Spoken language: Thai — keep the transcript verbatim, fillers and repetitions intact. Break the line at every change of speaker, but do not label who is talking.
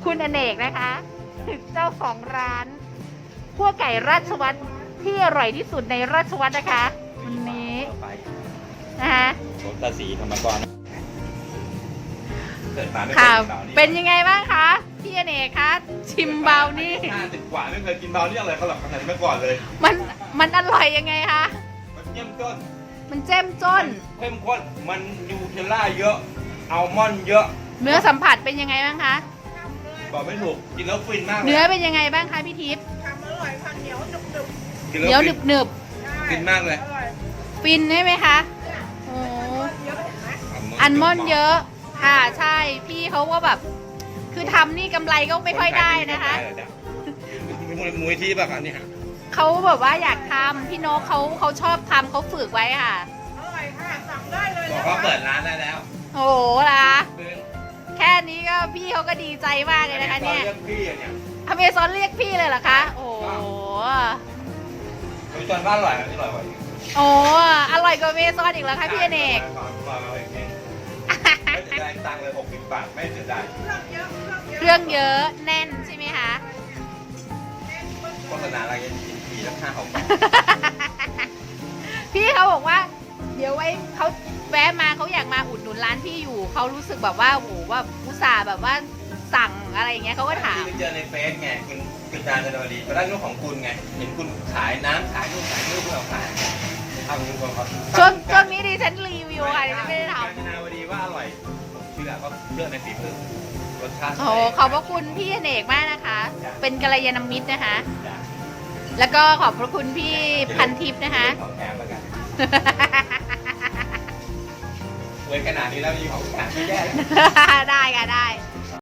คุณอเนกนะคะ เจ้าของร้านคั่วไก่ราชวัตรที่อร่อยที่สุดในราชวัตรนะคะวันนี้นะคะ
รถตาสีธรรมกรเกิดมาไม่เคย
ค่ะ
กินเบานี่
เป็นยังไงบ้างคะพี่อเนกคะชิมเบานี่
ห้าสิบกว่าไม่เคยกินเบานี่อะไรเขาหรอกขนาดนี้มาก่อนเลย
มันมันอร่อยยังไงคะ
มันเยี่ยมต้น
มันเจ้มจ้น
เข้มข้นมันยูเทลล่าเยอะอัลมอนด์เยอะ
เนื้อสัมผัสเป็นยังไงบ้างคะ
บอกไม่ถูกกินแล้วฟินมากเลย
เนื้อเป็นยังไงบ้างคะพี่ทิพย์
ทำอร่อยค่ะเหนียวหนึบหนึบ
กิน
เหนี
แล้
ยว ว
ฟิ
หนึ
น
บหนึบ
ฟินมากเลย
อร่อย
ๆฟินใช่ไหมคะโอ้
เยอะเห็นไหม
อันมอนด์เยอะค่ะใช่พี่เขาก็แบบ คือทำนี่กำไรก็ไม่ค่อยได้นะคะ
มูลมูลที่ป่ะคะเนี่ย
เขาแบบว่าอยากทำพี่นกเขาเขาชอบทำเขาฝึกไว้ค่ะ
อร่อยค่ะสั่งได้เลย
บอก
นะคะ
ว่าเปิดร้านได้แล้ว
โอ้โหล่ะ
คือ
แค่นี้ก็พี่เขาก็ดีใจมากเลยนะคะเนี่ย
เรื่องพี่อะเนี่ย
อเมซอนเรียกพี่เลยเหรอคะ โอ้โห
มีจนบ้านอร่อยอันนี้อร่อยกว่าอีก
โอ้อร่อยกว่าอเมซอนอีกแล้วคะพี่อเนก
ไม่เสียดายตังค์เลยหกสิบบาทไม่เสียดาย
เครื่องเยอะ
เครื่องเยอะแน่นใช่ไหมคะ
โฆษณาอะไรกันกินทีละห้าหกบาท
พี่เขาบอกว่า เดี๋ยวไว้เขาแวะมาเขาอยากมาอุดหนุนร้านพี่อยู่เขารู้สึกแบบว่าโอ้โหว่าอุตส่าห์แบบว่าสั่งอะไรอย่างเงี้ยเขาก็ถาม
ที่ไปเจอในเฟซไงคุณคุณจานจันทวดีไปได้ลูกของคุณไงเห็นคุณขายน้ำขายนู่นขายนี่เพื่อเอาขายทำคุณคนเขา
ช่วงช่วงนี้ดิฉันรีวิวค่ะดิฉันไม่ได้ท
จานจันทวดีว่าอร่อยผมเชื่อก็เชื่อในฝีมือรสชาติ
ำโอ้โหขอบพระคุณพี่อเนกมากนะคะ เป็นกัลยาณมิตรนะคะ
จ้ะ
แล้วก็ขอบพระคุณพี่พันทิพย์นะคะ
ของแถมแล้วกันเว้ยขนาดนี้แล้วมีของแถมไม่แย่แล้ว
ได้ค่ะได้